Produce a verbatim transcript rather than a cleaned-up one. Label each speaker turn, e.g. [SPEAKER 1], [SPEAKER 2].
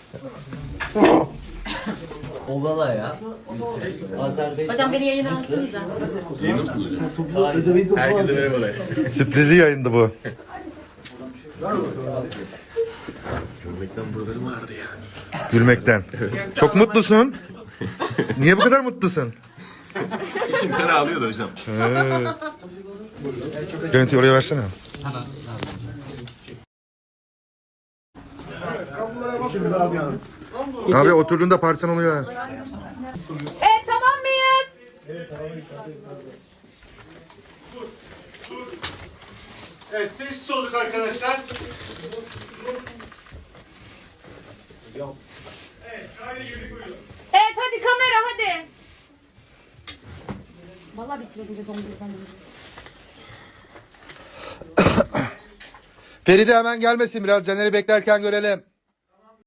[SPEAKER 1] Ovala ya.
[SPEAKER 2] Hocam beni yayına alsanıza.
[SPEAKER 3] Yayında mısın hocam? Herkese merhabalar.
[SPEAKER 4] Sürprizli yayındı bu.
[SPEAKER 3] Görmekten buralarım ağrıdı ya.
[SPEAKER 4] Gülmekten. Çok mutlusun. Niye bu kadar mutlusun?
[SPEAKER 3] İçim kan ağlıyordu hocam.
[SPEAKER 4] Görüntüyü oraya versene. Abi oturduğunda parçan oluyor.
[SPEAKER 2] Evet tamam mıyız?
[SPEAKER 5] Evet, sessiz olduk arkadaşlar.
[SPEAKER 2] Evet hadi kamera hadi. Vallahi bitireceğiz onu birden.
[SPEAKER 4] Feride hemen gelmesin, biraz Caner'i beklerken görelim.